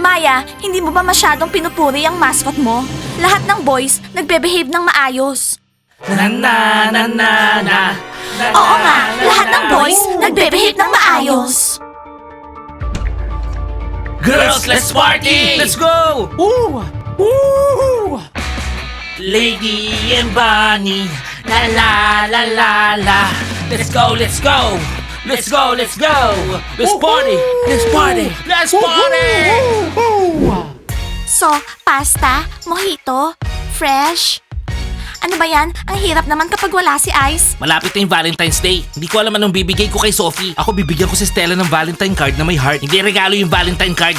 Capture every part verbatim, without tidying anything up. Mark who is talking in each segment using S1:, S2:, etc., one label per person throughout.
S1: Maya, hindi mo ba masyadong pinupuri ang mascot mo? Lahat ng boys nagbe-behave ng maayos.
S2: Na na na na na.
S1: Oo nga, lahat ng boys nagbe-behave ng maayos.
S2: Girls, let's party!
S3: Let's go! Woo! Woo!
S2: Lady and Bunny, la la la la la. Let's go, let's go! Let's go, let's go! Let's party! Let's party! Let's party!
S1: So, pasta, mojito, fresh. Ano ba yan? Ang hirap naman kapag wala si Ice.
S2: Malapit na yung Valentine's Day. Hindi ko alam anong bibigay ko kay Sophie. Ako bibigyan ko si Stella ng Valentine card na may heart. Hindi regalo yung Valentine card.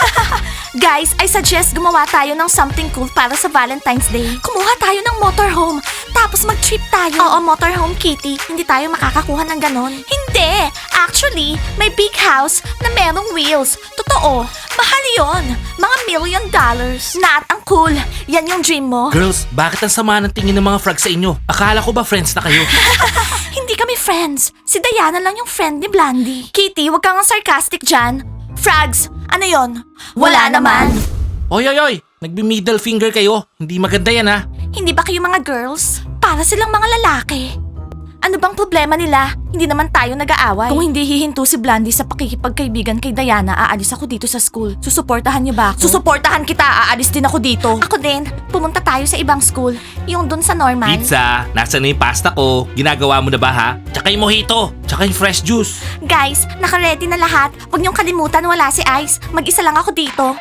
S1: Guys, I suggest gumawa tayo ng something cool para sa Valentine's Day. Kumuha tayo ng motorhome, tapos mag-trip tayo. Oo, motorhome, Kitty. Hindi tayo makakakuha ng ganon. Hindi! Actually, may big house na merong wheels. Totoo, mahal yon. Mga million dollars. Nat, ang cool. Yan yung dream mo.
S2: Girls, bakit ang sama ng tingin ng mga frogs sa inyo? Akala ko ba friends na kayo?
S1: Hindi kami friends. Si Diana lang yung friend ni Blandy. Kitty, wag kang sarcastic dyan. Frogs, ano yon? Wala naman.
S2: Oy, oy, oy! Nagbi-middle finger kayo. Hindi maganda yan ha.
S1: Hindi ba kayo mga girls? Para silang mga lalaki. Ano bang problema nila? Hindi naman tayo nag-aaway. Kung hindi hihinto si Blandy sa pakikipagkaibigan kay Diana, aalis ako dito sa school. Susuportahan niyo ba ako? Susuportahan kita, aalis din ako dito. Ako din. Pumunta tayo sa ibang school. Yung dun sa normal.
S2: Pizza, nasa na yung pasta ko? Ginagawa mo na ba ha? Tsaka yung mojito, tsaka yung fresh juice.
S1: Guys, naka-ready na lahat. Huwag niyong kalimutan wala si Ice. Mag-isa lang ako dito.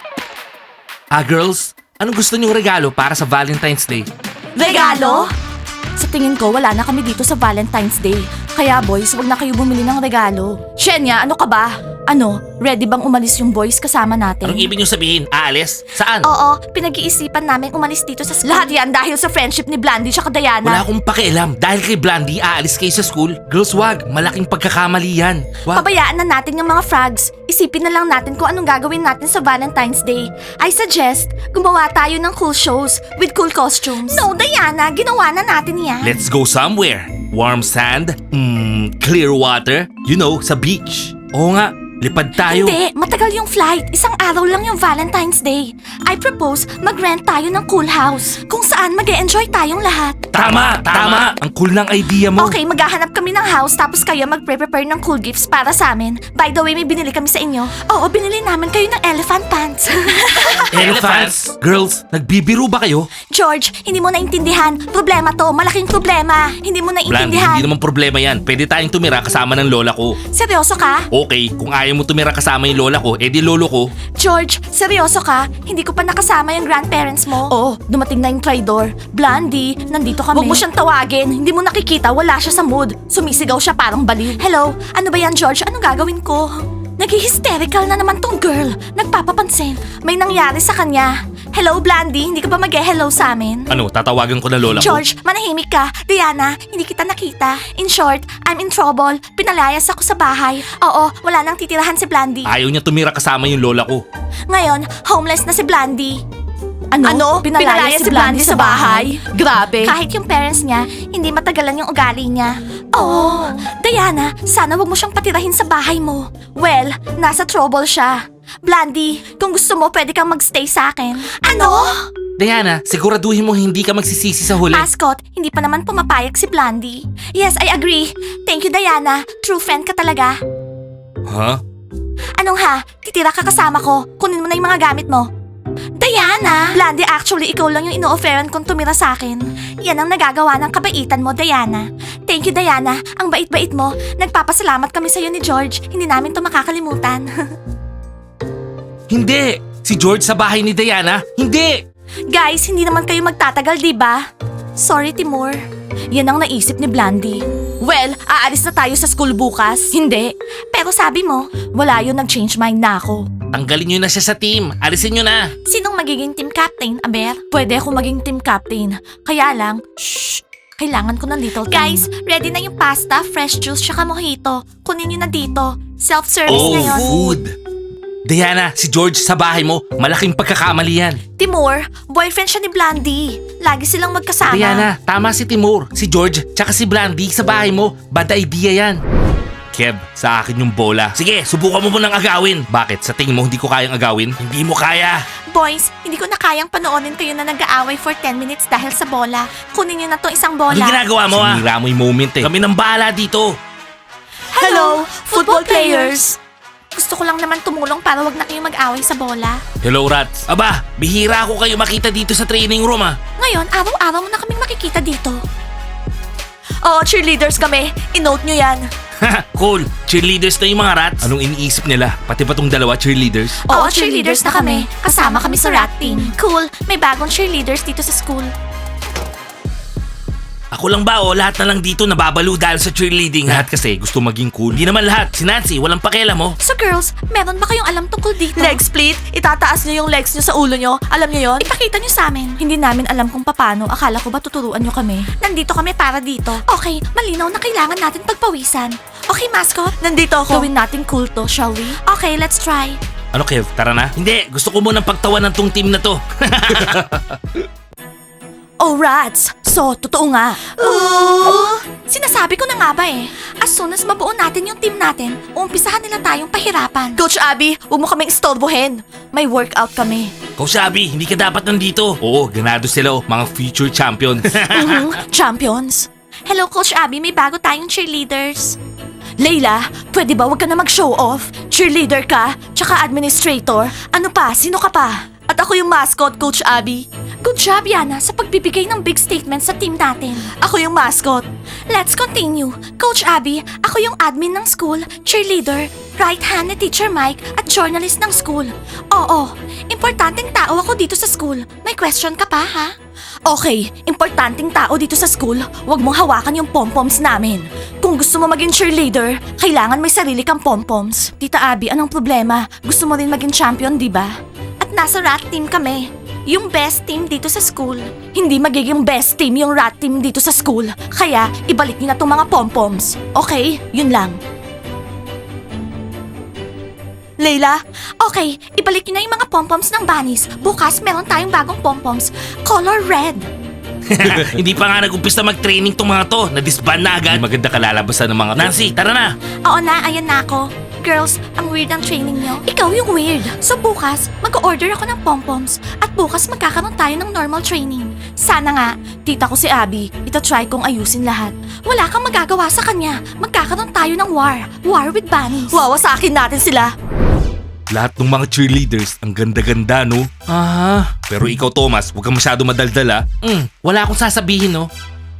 S2: Ah, girls, anong gusto niyong regalo para sa Valentine's Day?
S1: Regalo? Sa tingin ko, wala na kami dito sa Valentine's Day. Kaya boys, wag na kayo bumili ng regalo. Shenya, ano ka ba? Ano, ready bang umalis yung boys kasama natin?
S2: Anong ibig niyong sabihin? Aalis? Saan?
S1: Oo, pinag-iisipan namin umalis dito sa school. Lahat yan dahil sa friendship ni Blandy at Diana.
S2: Wala akong pakialam. Dahil kay Blandy, aalis kayo sa school. Girls, wag. Malaking pagkakamali yan. Wag.
S1: Pabayaan na natin yung mga frogs. Isipin na lang natin kung anong gagawin natin sa Valentine's Day. I suggest, gumawa tayo ng cool shows with cool costumes. No, Diana, ginawa na natin yan.
S2: Let's go somewhere. Warm sand, mm, clear water, you know, sa beach. Oo nga, lipad tayo.
S1: Hindi, matagal yung flight. Isang araw lang yung Valentine's Day. I propose mag-rent tayo ng cool house kung saan mag-e-enjoy tayong lahat.
S2: Tama, tama. Ang cool ng idea mo.
S1: Okay, maghahanap kami ng house tapos kayo mag-prepare ng cool gifts para sa amin. By the way, may binili kami sa inyo. Oo, binili namin kayo ng elephant pants.
S2: Elephants? Girls, nagbibiro ba kayo?
S1: George, hindi mo naintindihan. Problema to, malaking problema. Hindi mo
S2: Blandy,
S1: naintindihan.
S2: hindi naman problema yan. Pwede tayong tumira kasama ng lola ko.
S1: Seryoso ka?
S2: Okay, kung ayaw mo tumira kasama yung lola ko, edi lolo ko.
S1: George, seryoso ka? Hindi ko pa nakasama yung grandparents mo. Oo, dumating na yung traitor. Blandy, nandito kami. Huwag mo siyang tawagin. Hindi mo nakikita, wala siya sa mood. Sumisigaw siya parang baliw. Hello, ano ba yan George? Anong gagawin ko? Nag-hysterical na naman tong girl. Nagpapapansin. May nangyari sa kanya. Hello, Blandy, hindi ka ba mag-hello sa amin?
S2: Ano, tatawagan ko na lola ko?
S1: George, manahimik ka. Diana, hindi kita nakita. In short, I'm in trouble. Pinalayas ako sa bahay. Oo, wala nang titirahan si Blandy.
S2: Ayaw niya tumira kasama yung lola ko.
S1: Ngayon, homeless na si Blandy.
S4: Ano? Pinalayas si Blandy sa bahay? Grabe.
S1: Kahit yung parents niya, hindi matagalan yung ugali niya. Oh, Diana, sana wag mo siyang patirahin sa bahay mo. Well, nasa trouble siya. Blandy, kung gusto mo, pwede kang magstay sa akin. Ano?
S2: Diana, siguraduhin mo hindi ka magsisisi sa huli.
S1: Mascot, hindi pa naman pumapayag si Blandy. Yes, I agree. Thank you, Diana. True friend ka talaga.
S2: Huh?
S1: Anong ha? Titira ka kasama ko. Kunin mo na yung mga gamit mo. Diana! Blandy, actually, ikaw lang yung ino-offeran kong tumira sa akin. Yan ang nagagawa ng kabaitan mo, Diana. Thank you, Diana. Ang bait-bait mo. Nagpapasalamat kami sa'yo ni George. Hindi namin to makakalimutan.
S2: Hindi! Si George sa bahay ni Diana? Hindi!
S1: Guys, hindi naman kayo magtatagal, di ba? Sorry, Timur. Yan ang naisip ni Blandy. Well, aalis na tayo sa school bukas. Hindi. Pero sabi mo, wala yun, nag-change mind na ako.
S2: Tanggalin nyo na siya sa team. Alisin nyo na.
S1: Sinong magiging team captain, Aber? Pwede ako maging team captain. Kaya lang, shh, kailangan ko ng little time. Guys, ready na yung pasta, fresh juice, tsaka mojito. Kunin nyo na dito. Self-service
S2: Oh,
S1: ngayon.
S2: food! Diana, si George sa bahay mo, malaking pagkakamali yan.
S1: Timur, boyfriend siya ni Blandy. Lagi silang magkasama.
S2: Diana, tama si Timur, si George, tsaka si Blandy sa bahay mo. Bad idea yan. Kev, sa akin yung bola. Sige, subukan mo munang agawin. Bakit? Sa tingin mo hindi ko kayang agawin? Hindi mo kaya.
S1: Boys, hindi ko na kayang panoorin kayo na nag-aaway for ten minutes dahil sa bola. Kunin niyo na tong isang bola.
S2: Anong ginagawa mo ah? Sinira mo yung moment eh. Kami nang bahala dito.
S1: Hello, football players! Gusto ko lang naman tumulong para wag na kayo mag-away sa bola.
S2: Hello, Rats. Aba, bihira ako kayo makita dito sa training room ah.
S1: Ngayon, araw-araw mo na kaming makikita dito. Oo, cheerleaders kami. I-note nyo yan.
S2: Cool. Cheerleaders na yung mga Rats. Anong iniisip nila? Pati ba tong dalawa cheerleaders?
S1: Oo, cheerleaders na kami. Kasama kami sa rat team. Cool, may bagong cheerleaders dito sa school.
S2: Ako lang ba o lahat na lang dito nababalo dahil sa cheerleading? Lahat kasi gusto maging cool. Hindi naman lahat. Si Nancy, walang pakialam mo.
S1: So girls, meron ba kayong alam tungkol dito?
S4: Leg split? Itataas nyo yung legs nyo sa ulo nyo? Alam nyo yon?
S1: Ipakita nyo sa amin.
S4: Hindi namin alam kung paano. Akala ko ba tuturuan nyo kami?
S1: Nandito kami para dito. Okay, malinaw na kailangan natin pagpawisan. Okay, mascot?
S4: Nandito ako.
S1: Gawin natin cool to, shall we? Okay, let's try.
S2: Ano Kev, tara na? Hindi, gusto ko munang pagtawanan tong team na to.
S4: Oh, rats! So, totoo nga.
S1: Ooh! Sinasabi ko na nga ba eh. As soon as mabuo natin yung team natin, uumpisahan nila tayong pahirapan.
S4: Coach Abby, huwag mo kaming istorbohin. May workout kami.
S2: Kausabi, hindi ka dapat nandito. Oo, ganado sila oh, mga future champions.
S4: Mhm, champions.
S1: Hello, Coach Abby. May bago tayong cheerleaders.
S4: Layla, pwede ba wag ka na mag-show off? Cheerleader ka, tsaka administrator. Ano pa? Sino ka pa? At ako yung mascot, Coach Abby.
S1: Good job, Yana, sa pagbibigay ng big statement sa team natin.
S4: Ako yung mascot.
S1: Let's continue. Coach Abby, ako yung admin ng school, cheerleader, right hand ni Teacher Mike, at journalist ng school. Oo, importanteng tao ako dito sa school. May question ka pa, ha?
S4: Okay, importanteng tao dito sa school, wag mong hawakan yung pompoms namin. Kung gusto mo maging cheerleader, kailangan may sarili kang pompoms. Tita Abby, anong problema? Gusto mo rin maging champion, di ba?
S1: At nasa rat team kami. Yung best team dito sa school.
S4: Hindi magiging best team yung rat team dito sa school. Kaya, ibalik niyo na tong mga pompoms. Okay? Yun lang.
S1: Layla? Okay, ibalik niyo na yung mga pompoms ng bunnies. Bukas, meron tayong bagong pompoms. Color red.
S2: Hindi pa nga nag-umpisa mag-training tong mga to. Na-disband na agad. Hindi maganda kalalabasan ng mga... Nancy, tara na!
S1: Oo na, ayan na ako. Girls, ang weird ng training nyo. Ikaw yung weird. So bukas, mag-order ako ng pompoms. At bukas magkakaroon tayo ng normal training. Sana nga.
S4: Tita ko si Abby, ita-try kong ayusin lahat.
S1: Wala kang magagawa sa kanya. Magkakaroon tayo ng war. War with bunnies.
S4: Wawasakin natin sila.
S2: Lahat ng mga cheerleaders, ang ganda-ganda, no? Ah, pero ikaw, Thomas, huwag kang masyado madaldal, ah. Mm, wala akong sasabihin, no?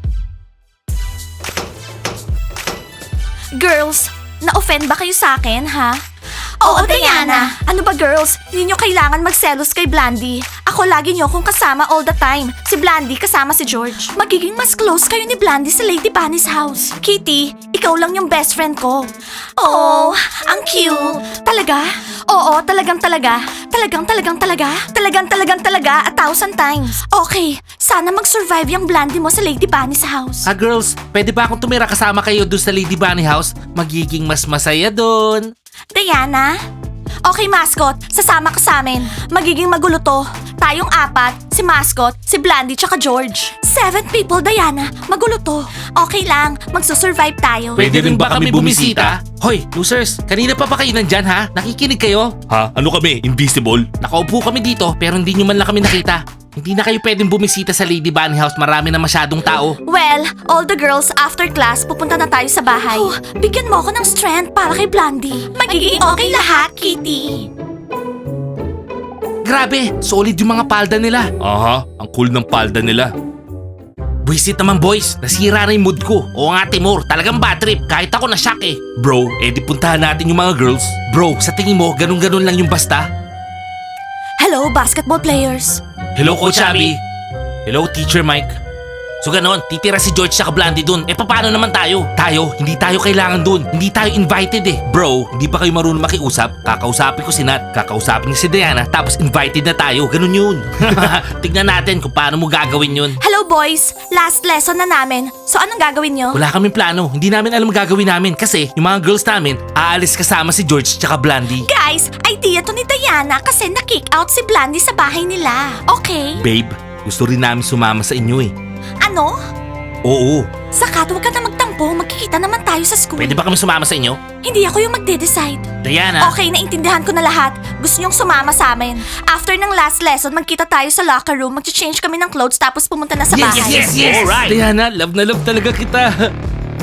S1: Girls, na-offend ba kayo sa akin, ha?
S4: Oo, Diana. Ano ba, girls? Hindi nyo kailangan magselos kay Blandy. Ako lagi nyo kung kasama all the time. Si Blandy kasama si George.
S1: Magiging mas close kayo ni Blandy sa Lady Bunny's house.
S4: Kitty, ikaw lang yung best friend ko.
S1: Oh, ang cute.
S4: Talaga? Oo, talagang talaga. Talagang talagang talaga. Talagang talagang talaga a thousand times.
S1: Okay, sana mag-survive yung Blandy mo sa Lady Bunny's house.
S2: Ah, girls, pwede ba akong tumira kasama kayo doon sa Lady Bunny house? Magiging mas masaya doon.
S1: Diana?
S4: Okay, mascot. Sasama ka sa amin. Magiging magulo to. Tayong apat, si mascot, si Blandy, tsaka George.
S1: Seven people, Diana. Magulo to. Okay lang, magsusurvive tayo.
S2: Pwede rin ba kami bumisita? Hoy, losers, kanina pa ba kayo nandyan ha? Nakikinig kayo? Ha? Ano kami? Invisible? Nakaupo kami dito pero hindi nyo man lang kami nakita. Hindi na kayo pwedeng bumisita sa Lady Bunny house, marami na masyadong tao.
S4: Well, all the girls after class, pupunta na tayo sa bahay.
S1: Oh, bigyan mo ako ng strength para kay Blandy. Magiging okay lahat, Kitty.
S2: Grabe, solid yung mga palda nila. Aha, ang cool ng palda nila. Buisit naman boys, nasira na yung mood ko. Oo nga Timur, talagang bad trip, kahit ako na-shock eh. Bro, edi puntahan natin yung mga girls. Bro, sa tingin mo, ganun-ganun lang yung basta?
S4: Hello, basketball players.
S2: Hello Coach Abby. Hello Teacher Mike. So ganon, titira si George sa Blandy dun. Eh paano naman tayo? Tayo, hindi tayo kailangan dun. Hindi tayo invited eh. Bro, hindi ba kayo marunong makiusap? Kakausapin ko si Nat, kakausapin niya si Diana, tapos invited na tayo. Ganun yun. Tignan natin kung paano mo gagawin yun.
S4: Hello boys, last lesson na namin. So anong gagawin nyo?
S2: Wala kaming plano. Hindi namin alam ang gagawin namin kasi yung mga girls namin aalis kasama si George tsaka Blandy.
S1: Guys, idea to ni Diana kasi na-kick out si Blandy sa bahay nila. Okay?
S2: Babe, gusto rin namin sumama sa inyo eh.
S1: Ano?
S2: Oo.
S4: Sakat, huwag ka na magtampo. Magkikita naman tayo sa school.
S2: Pwede ba kami sumama sa inyo?
S4: Hindi ako yung magde-decide.
S2: Diana.
S4: Okay, naintindihan ko na lahat. Gusto niyong sumama sa amin. After ng last lesson, magkita tayo sa locker room, mag-change kami ng clothes tapos pumunta na sa
S2: Yes,
S4: bahay.
S2: yes, yes, yes.
S3: Alright.
S2: Diana, love na love talaga kita.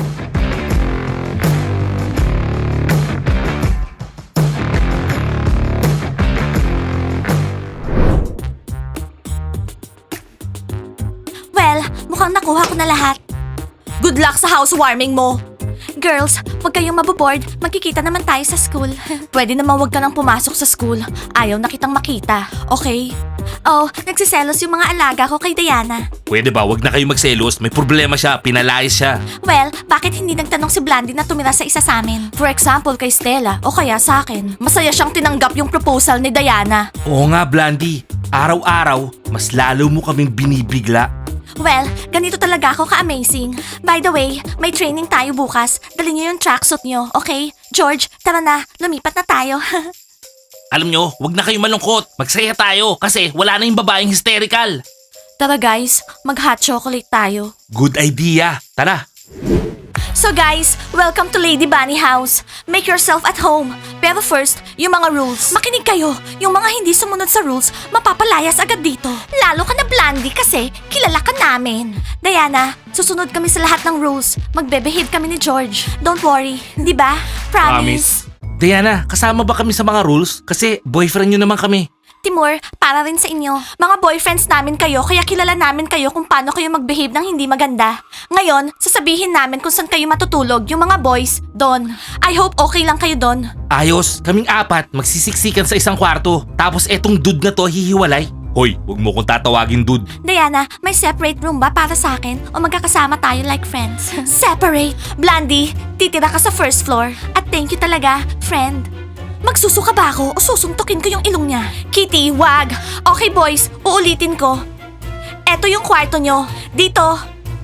S4: Well, mukhang nakuha ko na lahat. Good luck sa housewarming mo. Girls, huwag kayong maboboard. Magkikita naman tayo sa school. Pwede naman huwag ka nang pumasok sa school. Ayaw na kitang makita, okay? Oh, nagsiselos yung mga alaga ko kay Diana.
S2: Pwede ba, wag na kayo magselos. May problema siya, pinalayas siya.
S4: Well, bakit hindi nagtanong si Blandy na tumira sa isa sa amin? For example, kay Stella o kaya sa akin. Masaya siyang tinanggap yung proposal ni Diana.
S2: Oo nga, Blandy. Araw-araw, mas lalo mo kaming binibigla.
S4: Well, ganito talaga ako ka-amazing. By the way, may training tayo bukas. Dali niyo yung tracksuit niyo, okay? George, tara na. Lumipat na tayo.
S2: Alam nyo, wag na kayo malungkot. Magsaya tayo kasi wala na yung babaeng hysterical.
S4: Tara guys, mag-hot chocolate tayo.
S2: Good idea. Tara.
S4: So guys, welcome to Lady Bunny House. Make yourself at home. Pero first, yung mga rules. Makinig kayo. Yung mga hindi sumunod sa rules, mapapalayas agad dito. Lalo ka na Blandy kasi kilala ka namin. Diana, susunod kami sa lahat ng rules. Magbe-behave kami ni George. Don't worry, di ba? Promise.
S2: Diana, kasama ba kami sa mga rules? Kasi boyfriend nyo naman kami.
S4: Timur, para rin sa inyo. Mga boyfriends namin kayo, kaya kilala namin kayo kung paano kayo mag-behave ng hindi maganda. Ngayon, sasabihin namin kung saan kayo matutulog, yung mga boys, doon. I hope okay lang kayo doon.
S2: Ayos, kaming apat magsisiksikan sa isang kwarto. Tapos etong dude na to hihiwalay. Hoy, wag mo kong tatawagin dude.
S4: Diana, may separate room ba para sa akin? O magkakasama tayo like friends? Separate! Blandy, titira ka sa first floor. At thank you talaga, friend. Magsusuka ba ako o susuntukin ko yung ilong niya? Kitty, wag! Okay boys, uulitin ko. Eto yung kwarto nyo. Dito.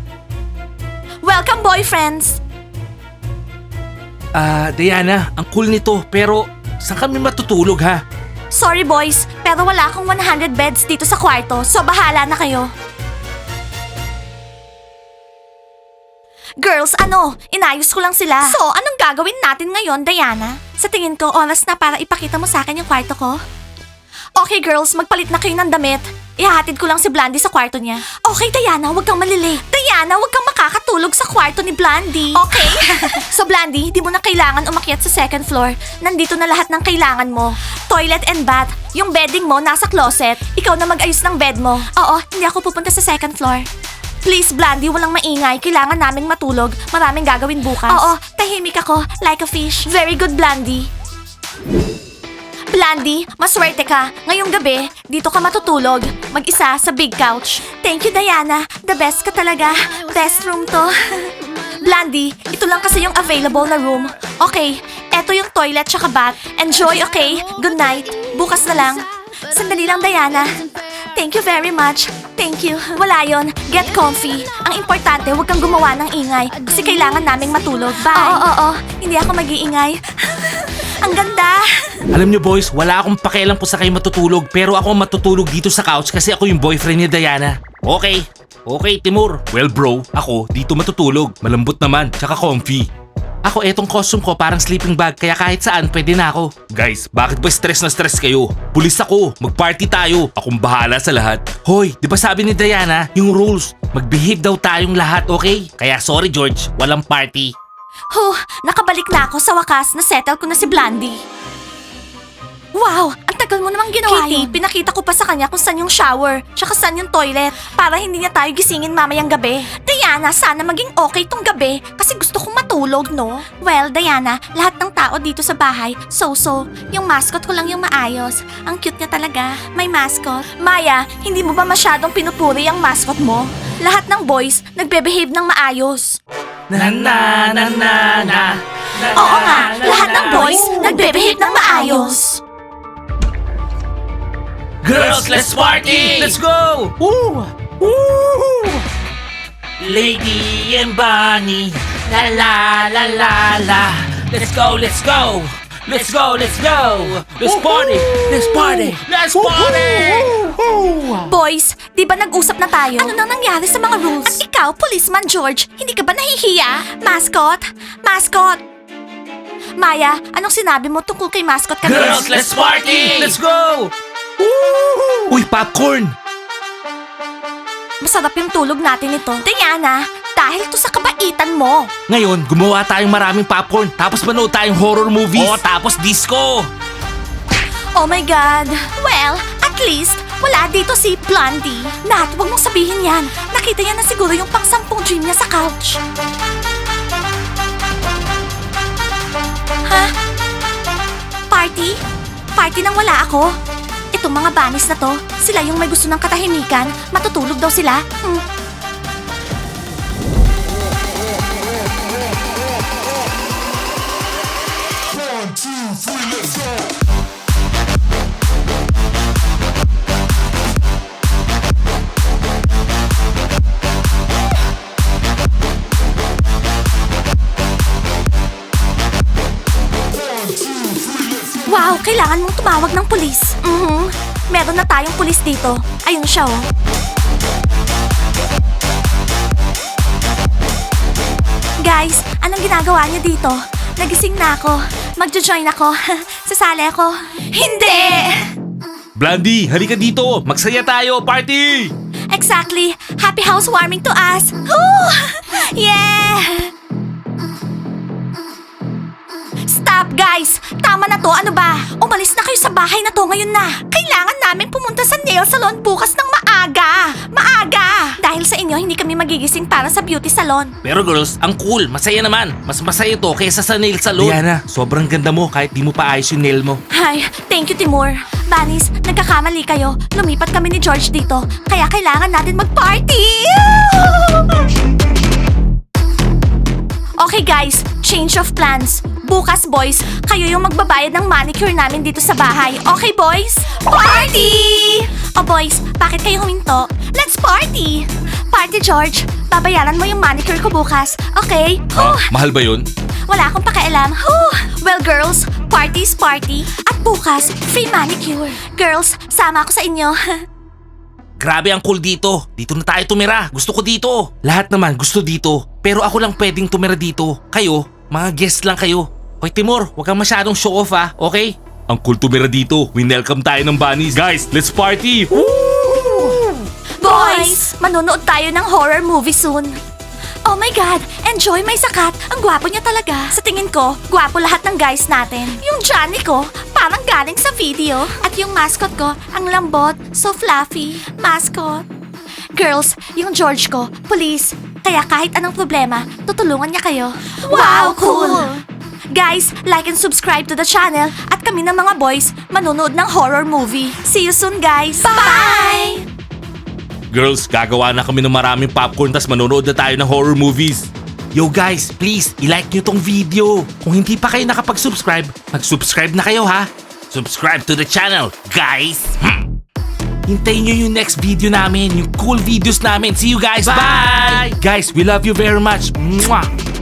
S4: Welcome boyfriends!
S2: Ah, Diana, ang cool nito pero saan kami matutulog ha?
S4: Sorry boys, pero wala akong one hundred beds dito sa kwarto, so bahala na kayo. Girls, ano? Inayos ko lang sila. So, anong gagawin natin ngayon, Diana? Sa tingin ko, oras na para ipakita mo sa akin yung kwarto ko. Okay girls, magpalit na kayo ng damit. Ihahatid ko lang si Blandy sa kwarto niya. Okay, Diana, huwag kang malili. Diana, huwag kang makakatulog sa kwarto ni Blandy. Okay? So Blandy, di mo na kailangan umakyat sa second floor. Nandito na lahat ng kailangan mo. Toilet and bath. Yung bedding mo nasa closet. Ikaw na mag-ayos ng bed mo. Oo, hindi ako pupunta sa second floor. Please, Blandy, walang maingay. Kailangan naming matulog. Maraming gagawin bukas. Oo, tahimik ako. Like a fish. Very good, Blandy. Blandy, maswerte ka. Ngayong gabi, dito ka matutulog. Mag-isa sa big couch. Thank you, Diana. The best ka talaga. Best room to. Blandy, ito lang kasi yung available na room. Okay, eto yung toilet tsaka bath. Enjoy, okay? Good night. Bukas na lang. Sandali lang, Diana. Thank you very much. Thank you. Wala yon. Get comfy. Ang importante, huwag kang gumawa ng ingay kasi kailangan naming matulog. Bye. Oo, oo, oo. Hindi ako mag-iingay. Ang ganda.
S2: Alam nyo boys, wala akong pakialam kung sa kayo matutulog pero ako ang matutulog dito sa couch kasi ako yung boyfriend ni Diana. Okay. Okay, Timur. Well bro, ako dito matutulog. Malambot naman, tsaka comfy. Ako, etong costume ko parang sleeping bag kaya kahit saan pwede na ako. Guys, bakit ba stress na stress kayo? Pulis ako, mag-party tayo. Akong bahala sa lahat. Hoy, di ba sabi ni Diana, yung rules, mag-behave daw tayong lahat, okay? Kaya sorry George, walang party.
S4: Huh, nakabalik na ako sa wakas. Na-settle ko na si Blandy. Wow, ang tagal mo namang ginawa Kitty, yun. Pinakita ko pa sa kanya kung saan yung shower, tsaka saan yung toilet, para hindi niya tayo gisingin mamayang gabi. Diana, sana maging okay tong gabi, kasi gusto kong matulog, no? Well, Diana, lahat ng tao dito sa bahay, so-so. Yung mascot ko lang yung maayos. Ang cute niya talaga. May mascot. Maya, hindi mo ba masyadong pinupuri ang mascot mo? Lahat ng boys, nagbe-behave ng maayos.
S2: Na na na na na.
S4: Oo nga, lahat ng boys, nagbe-behave ng maayos.
S2: Girls, let's party!
S3: Let's go! Woo! Woo!
S2: Lady and Bunny, la la la la la. Let's go, let's go, let's go, let's go. Let's party, let's party, let's party.
S4: Boys, di ba nag-usap na tayo? Ano nang nangyari sa mga rules? At ikaw, Policeman George, hindi ka ba nahihiya? Mascot? Mascot? Maya, anong sinabi mo tungkol kay Mascot kanina?
S2: Girls, let's party!
S3: Let's go!
S2: Uy, popcorn!
S4: Masarap yung tulog natin ito. Diana, dahil to sa kabaitan mo.
S2: Ngayon, gumawa tayong maraming popcorn, tapos manood tayong horror movies. Oo, tapos disco.
S4: Oh my God. Well, at least, wala dito si Blondie. Nat, wag mong sabihin yan. Nakita niya na siguro yung pang-sampung dream niya sa couch. Ha? Party? Party nang wala ako? Itong mga banis na to, sila yung may gusto ng katahimikan. Matutulog daw sila. Hmm. Wow, kailangan mong tumawag ng pulis. Mhm. Meron na tayong pulis dito. Ayun siya, oh. Guys, anong ginagawa niyo dito? Nagising na ako. Magjo-join ako. Sasali ako. Hindi!
S2: Blondie, halika dito. Magsaya tayo, party!
S4: Exactly. Happy housewarming to us. Woo! Yeah! Stop, guys! Tama na to, ano ba? Umalis na kayo sa bahay na to ngayon na. Kailangan namin pumunta sa nail salon bukas ng maaga. Maaga! Dahil sa inyo, hindi kami magigising para sa beauty salon.
S2: Pero girls, ang cool, masaya naman. Mas masaya to kaysa sa nail salon. Diana, sobrang ganda mo kahit di mo pa ayos yung nail mo.
S4: Hi, thank you, Timur. Banis, nagkakamali kayo. Lumipat kami ni George dito. Kaya kailangan natin mag-party! Okay guys, change of plans. Bukas boys, kayo yung magbabayad ng manicure namin dito sa bahay. Okay boys? Party! Oh boys, bakit kayo huminto? Let's party! Party George, babayaran mo yung manicure ko bukas. Okay? Huh.
S2: Mahal ba yun?
S4: Wala akong pakialam. Huh. Well girls, party is party. At bukas, free manicure. Girls, sama ako sa inyo.
S2: Grabe ang cool dito. Dito na tayo tumira. Gusto ko dito. Lahat naman gusto dito. Pero ako lang pwedeng tumira dito. Kayo, mga guest lang kayo. Hoy Timur, huwag kang masyadong show off ha, okay? Ang cool tumira dito. Winelcome tayo ng bunnies. Guys, let's party!
S4: Boys, manonood tayo ng horror movie soon. Oh my God, enjoy my sakat. Ang gwapo niya talaga. Sa tingin ko, gwapo lahat ng guys natin. Yung Johnny ko, parang galing sa video. At yung mascot ko, ang lambot, so fluffy. Mascot. Girls, yung George ko, police. Kaya kahit anong problema, tutulungan niya kayo. Wow, cool! Guys, like and subscribe to the channel. At kami ng mga boys, manonood ng horror movie. See you soon, guys. Bye!
S2: Girls, gagawa na kami ng maraming popcorn tas manonood na tayo ng horror movies. Yo guys, please, i-like nyo tong video. Kung hindi pa kayo nakapag-subscribe, mag-subscribe na kayo ha. Subscribe to the channel, guys. Hmm. Hintayin nyo yung next video namin, yung cool videos namin. See you guys, bye! Guys, we love you very much. Mwah!